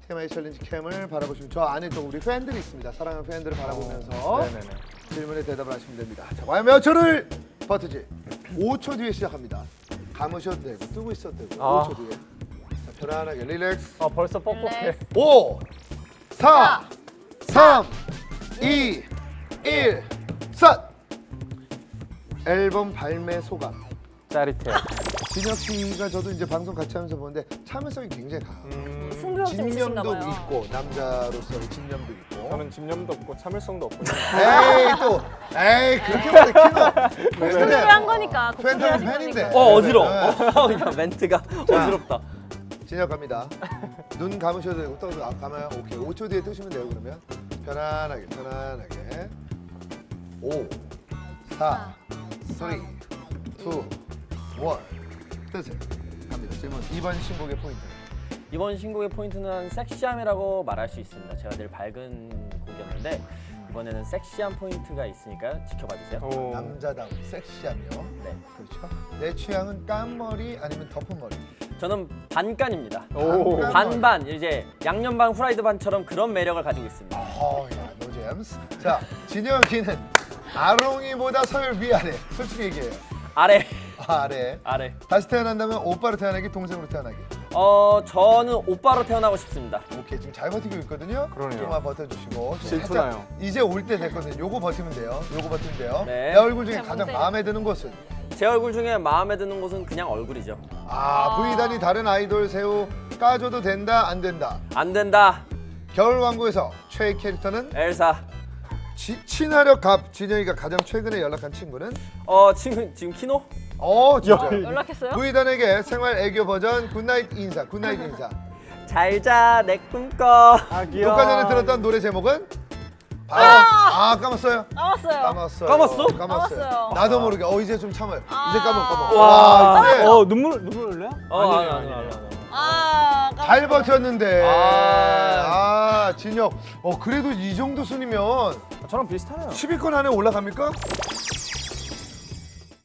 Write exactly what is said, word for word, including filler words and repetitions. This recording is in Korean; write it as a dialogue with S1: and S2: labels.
S1: 티엠아이 챌린지 캠을 바라보시면 저 안에 또 우리 팬들이 있습니다. 사랑하는 팬들을 바라보면서
S2: 네네네.
S1: 질문에 대답을 하시면 됩니다. 자, 과연 몇 초를 버티지? 오 초 뒤에 시작합니다. 감으셔도 되고 뜨고 있어도 되고
S2: 아.
S1: 오 초 뒤에. 자, 편안하게 릴렉스.
S2: 아 벌써 뻑뻑해.
S1: 오, 사, 삼, 이, 일, 샷! 앨범 발매 소감.
S2: 짜릿해요.
S1: 진혁 씨가 저도 이제 방송 같이 하면서 보는데 참을성이 굉장히 강해요.
S2: 음,
S3: 승부욕 있으신가
S1: 집념도
S3: 봐요.
S1: 있고 남자로서의 집념도 있고.
S2: 저는 집념도 없고 참을성도 없고.
S1: 에이 또 에이 그렇게 말해 키노.
S3: 곡소리를 한 거니까. 곡소리를
S1: 팬들은
S3: 하신
S1: 팬인데.
S3: 거니까.
S4: 어 어지러워.
S1: 네.
S4: 어, 멘트가 어지럽다.
S1: 진혁 갑니다. 눈 감으셔도 되고 또 아, 감아요. 오케이. 오 초 뒤에 뜨시면 돼요. 그러면 편안하게 편안하게. 오, 사, 삼, 이, 일. 뜨세요. 갑니다. 질문 이 번 신곡의 포인트.
S4: 이번 신곡의 포인트는 섹시함이라고 말할 수 있습니다. 제가 늘 밝은 곡이었는데 이번에는 섹시한 포인트가 있으니까 지켜봐 주세요.
S2: 오.
S1: 남자다운 섹시하며.
S4: 네.
S1: 그렇죠. 내 취향은 깐머리 아니면 덮은 머리.
S4: 저는 반간입니다.
S2: 오.
S1: 반간.
S4: 반반 이제 양념 반 후라이드 반처럼 그런 매력을 가지고 있습니다.
S1: 어야 노잼스. 자 진혁이는 아롱이보다 서열 위아래. 솔직히 얘기해요.
S4: 아래
S1: 아래.
S4: 아래.
S1: 다시 태어난다면 오빠로 태어나기, 동생으로 태어나기.
S4: 어 저는 오빠로 태어나고 싶습니다.
S1: 오케이 지금 잘 버티고 있거든요.
S2: 그러네요.
S1: 조금만 버텨주시고. 지금
S2: 질투나요.
S1: 살짝 이제 올 때 됐거든요. 요거 버티면 돼요. 요거 버티면 돼요.
S4: 네.
S1: 내 얼굴 중에
S3: 그냥
S1: 가장
S3: 멍
S1: 마음에 드는 곳은
S4: 제 얼굴 중에 마음에 드는 곳은 그냥 얼굴이죠.
S1: 아 V단이 다른 아이돌 새우 까줘도 된다 안 된다.
S4: 안 된다.
S1: 겨울왕국에서 최애 캐릭터는
S4: 엘사.
S1: 지, 친화력 갑 진영이가 가장 최근에 연락한 친구는
S4: 어 지금 지금 키노?
S1: 어 진짜
S3: 연락했어요?
S1: V단에게 생활 애교 버전 굿나잇 인사 굿나잇 인사.
S4: 잘자 내 꿈꿔.
S2: 아 귀여워.
S1: 녹화 전에 들었던 노래 제목은 바로 아 까먹었어요.
S3: 까먹었어요.
S1: 까먹었어요.
S4: 까먹었어?
S3: 까먹었어요.
S1: 나도 모르게 어 이제 좀 참아요.
S3: 아.
S1: 이제 까먹 까먹.
S4: 와.
S1: 와 이제
S2: 어 눈물 눈물 흘려요?
S4: 어,
S2: 아니에요,
S4: 아니, 아니,
S2: 아니에요.
S4: 아니, 아니.
S3: 아, 까먹었어요.
S1: 잘 버텼는데.
S4: 아.
S1: 아 진혁. 어 그래도 이 정도 순이면
S2: 저랑 비슷하네요.
S1: 십 위권 안에 올라갑니까?